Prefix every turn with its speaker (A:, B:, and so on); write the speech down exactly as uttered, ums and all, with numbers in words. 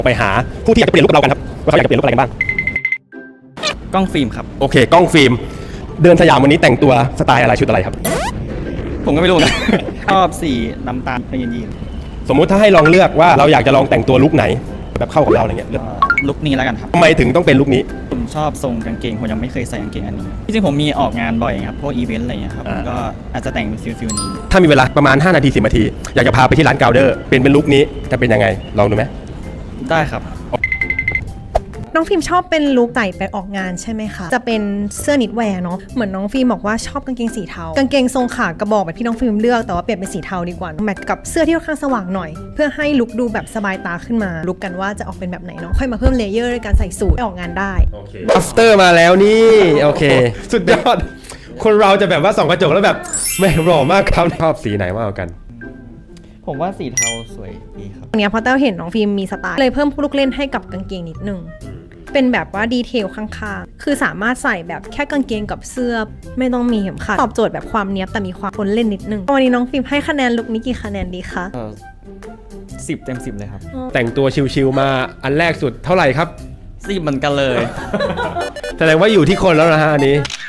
A: ไปหาผู้ที่อยากจะเปลี่ยนลุคกับเรากันครับว่าเขาอยากจะเปลี่ยนลุคอะไรกันบ้าง
B: กล้องฟิล์มครับ
A: โอเคกล้องฟิล์มเดินสยามวันนี้แต่งตัวสไตล์อะไรชุดอะไรครับ
B: ผมก็ไม่รู้นะ ชอบสีน้ำตาลเป็นยีน
A: สมมุติถ้าให้ลองเลือกว่าเราอยากจะลองแต่งตัวลุคไหนแบบเข้ากับเราอะไรเงี้ย
B: ลุคนี้แล้วกันครับ
A: ทำไมถึงต้องเป็นลุคนี้
B: ผมชอบทรงกางเกงผมยังไม่เคยใส่กางเกงอันนี้จริงๆผมมีออกงานบ่อยครับพวกอีเวนต์อะไรเงี้ยครับก็อาจจะแต่งฟิลฟิลนี้
A: ถ้ามีเวลาประมาณห้านาทีสิบนาทีอยากจะพาไปที่ร้านกาวเดอร์เป็นเป็นลุคนี้จะเป็นยังไงลองดูไหม
B: ได้ครับ
C: น้องฟิล์มชอบเป็นลุคใส่ไปออกงานใช่ไหมคะจะเป็นเสื้อนิดแวร์เนาะเหมือนน้องฟิล์มบอกว่าชอบกางเกงสีเทากางเกงทรงขากระบอกแบบที่น้องฟิล์มเลือกแต่ว่าเปลี่ยนเป็นสีเทาดีกว่าแมทกับเสื้อที่ค่อนข้างสว่างหน่อยเพื่อให้ลุคดูแบบสบายตาขึ้นมาลุคกันว่าจะออกเป็นแบบไหนเนาะค่อยมาเพิ่มเลเยอร์ในการใส่สูทไปออกงานได้
A: after มาแล้วนี่โอเคสุดยอดคนเราจะแบบว่าส่องกระจกแล้วแบบไม่หล่อมากครับชอบสีไหนมากกว่ากัน
B: ผมว่าสีเทาสวยดีครับ
C: ตรงนี้พอเต้าเห็นน้องฟิล์มมีสไตล์เลยเพิ่มลูกเล่นให้กับกางเกงนิดนึงเป็นแบบว่าดีเทลข้างๆคือสามารถใส่แบบแค่กางเกงกับเสื้อไม่ต้องมีเข็มขัดตอบโจทย์แบบความเนี้ยบแต่มีความคนเล่นนิดนึงวันนี้น้องฟิล์มให้คะแนนลุคนี้กี่คะแนนดีคะ
B: สิบเต็มสิบเลยครับ
A: แต่งตัวชิวๆมาอันแรกสุดเท่าไหร่ครับ
B: สิบเหมือนกันเลย
A: แสดงว่าอยู่ที่คนแล้วนะฮะอันนี้